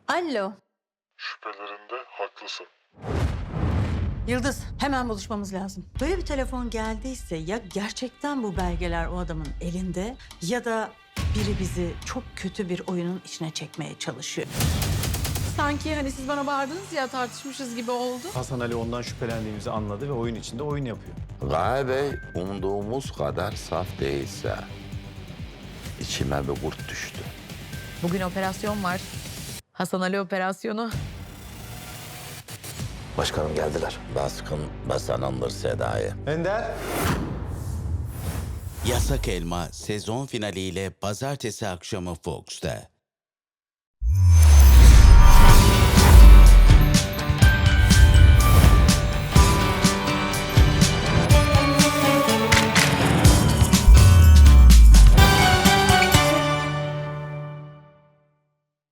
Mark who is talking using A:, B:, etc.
A: Alo.
B: Şüphelerinde haklısın.
A: Yıldız, hemen buluşmamız lazım. Böyle bir telefon geldiyse ya gerçekten bu belgeler o adamın elinde ya da biri bizi çok kötü bir oyunun içine çekmeye çalışıyor.
C: Sanki hani siz bana bağırdınız ya tartışmışız gibi oldu.
D: Hasan Ali ondan şüphelendiğimizi anladı ve oyun içinde oyun yapıyor.
E: Gaye Bey umduğumuz kadar saf değilse içime bir kurt düştü.
C: Bugün operasyon var. Hasan Ali operasyonu.
E: Başkanım geldiler. Baskın basanındır Seda'yı.
D: Ender.
F: Yasak Elma sezon finaliyle pazartesi akşamı Fox'ta.